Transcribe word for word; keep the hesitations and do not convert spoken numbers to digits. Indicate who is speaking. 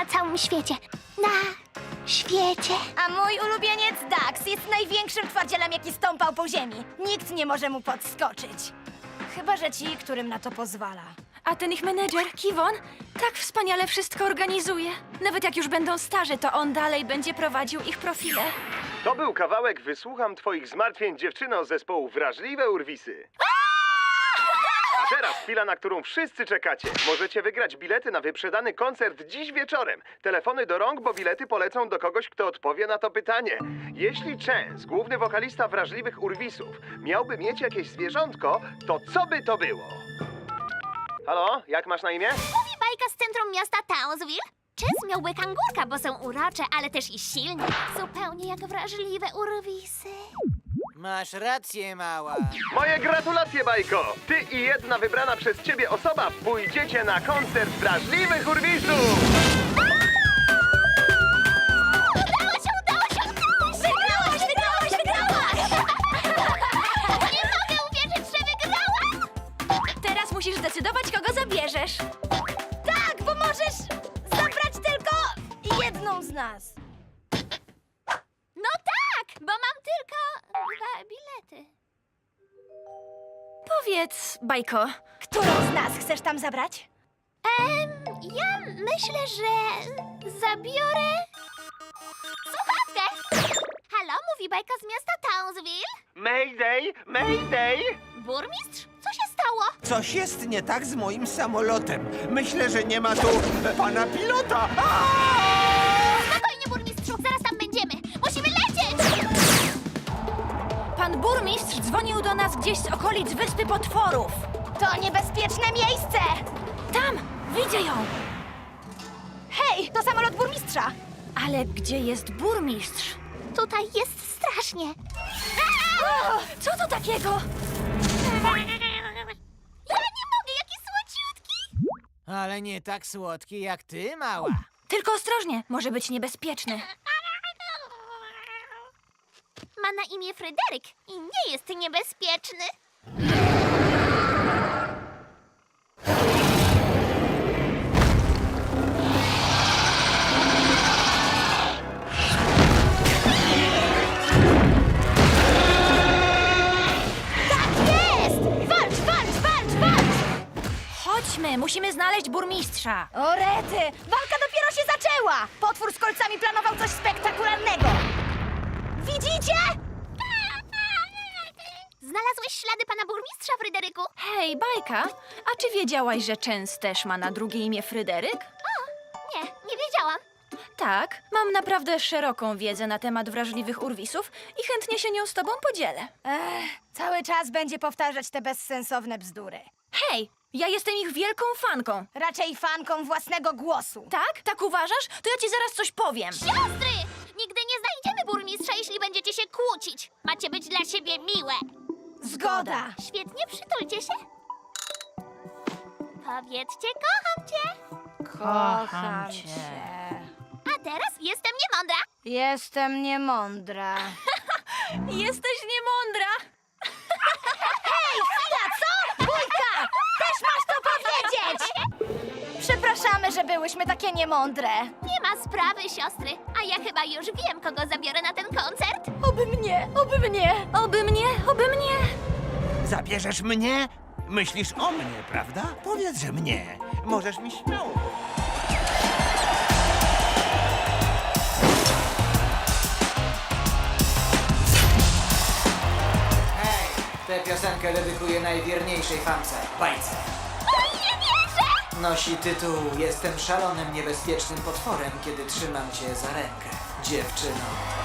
Speaker 1: na całym świecie. Na świecie.
Speaker 2: A mój ulubieniec Dax jest największym twardzielem, jaki stąpał po ziemi. Nikt nie może mu podskoczyć. Chyba że ci, którym na to pozwala.
Speaker 3: A ten ich menedżer, Kiwon, tak wspaniale wszystko organizuje. Nawet jak już będą starzy, to on dalej będzie prowadził ich profile.
Speaker 4: To był kawałek Wysłucham twoich zmartwień, dziewczyno, zespołu Wrażliwe Urwisy. A teraz chwila, na którą wszyscy czekacie. Możecie wygrać bilety na wyprzedany koncert dziś wieczorem. Telefony do rąk, bo bilety polecą do kogoś, kto odpowie na to pytanie. Jeśli Chance, główny wokalista Wrażliwych Urwisów, miałby mieć jakieś zwierzątko, to co by to było? Halo, jak masz na imię?
Speaker 1: Mówi bajka z centrum miasta Townsville. Chance miałby kangurka, bo są urocze, ale też i silne. Zupełnie jak wrażliwe urwisy.
Speaker 5: Masz rację, mała.
Speaker 4: Moje gratulacje, Bajko! Ty i jedna wybrana przez ciebie osoba pójdziecie na koncert Wrażliwych Urwisów!
Speaker 1: Udało się, udało się, udało się! Wygrałaś, wygrałaś, wygrałaś! Nie mogę uwierzyć, że wygrałaś!
Speaker 3: Teraz musisz zdecydować, kogo zabierzesz.
Speaker 2: Tak, bo możesz zabrać tylko jedną z nas.
Speaker 1: No tak, bo mam tylko dwa bilety.
Speaker 3: Powiedz, Bajko,
Speaker 2: Którą z nas chcesz tam zabrać?
Speaker 1: Em, ja myślę, że zabiorę słuchawkę. Halo, mówi bajka z miasta Townsville?
Speaker 4: Mayday! Mayday!
Speaker 1: Burmistrz? Co się stało?
Speaker 6: Coś jest nie tak z moim samolotem. Myślę, że nie ma tu e, pana pilota.
Speaker 1: Spokojnie, burmistrzu, zaraz tam będziemy. Musimy lecieć!
Speaker 3: pan burmistrz dzwonił do nas gdzieś z okolic Wyspy Potworów.
Speaker 2: To niebezpieczne miejsce!
Speaker 3: Tam, widzę ją.
Speaker 2: Hej, to samolot burmistrza!
Speaker 3: Ale gdzie jest burmistrz?
Speaker 1: Tutaj jest strasznie.
Speaker 3: O, co to takiego?
Speaker 1: Ja nie mogę, jaki słodziutki!
Speaker 5: Ale nie tak słodki jak ty, mała.
Speaker 3: Tylko ostrożnie, może być niebezpieczny.
Speaker 1: Ma na imię Fryderyk i nie jest niebezpieczny.
Speaker 2: Walcz, walcz, walcz, walcz!
Speaker 3: Chodźmy, musimy znaleźć burmistrza.
Speaker 2: O rety! Walka dopiero się zaczęła! Potwór z kolcami planował coś spektakularnego! Widzicie?
Speaker 1: Znalazłeś ślady pana burmistrza, Fryderyku?
Speaker 3: Hej, Bajka, a czy wiedziałaś, że Chance też ma na drugie imię Fryderyk?
Speaker 1: Nie, nie wiedziałam.
Speaker 3: Tak, mam naprawdę szeroką wiedzę na temat wrażliwych urwisów i chętnie się nią z tobą podzielę.
Speaker 2: Ech, cały czas będzie powtarzać te bezsensowne bzdury.
Speaker 3: Hej, ja jestem ich wielką fanką.
Speaker 2: Raczej fanką własnego głosu.
Speaker 3: Tak? Tak uważasz? To ja ci zaraz coś powiem.
Speaker 1: Siostry! Nigdy nie znajdziemy burmistrza, jeśli będziecie się kłócić. Macie być dla siebie miłe.
Speaker 2: Zgoda!
Speaker 1: Świetnie, przytulcie się. Powiedzcie, kocham cię.
Speaker 2: Kocham cię.
Speaker 1: A teraz jestem niemądra.
Speaker 2: Jestem niemądra.
Speaker 3: Jesteś niemądra.
Speaker 2: Hej, chwila, co? Bójka! Też masz to powiedzieć! Przepraszamy, że byłyśmy takie niemądre.
Speaker 1: Nie ma sprawy, siostry. A ja chyba już wiem, kogo zabiorę na ten koncert.
Speaker 3: Oby mnie, oby mnie, oby mnie, oby mnie.
Speaker 6: Zabierzesz mnie? Myślisz o mnie, prawda? Powiedz, że mnie. Możesz mi śmiało.
Speaker 5: Hej, tę piosenkę dedykuję najwierniejszej fance, Bajce.
Speaker 1: O, nie wierzę!
Speaker 5: Nosi tytuł Jestem szalonym, niebezpiecznym potworem, kiedy trzymam cię za rękę, dziewczyno.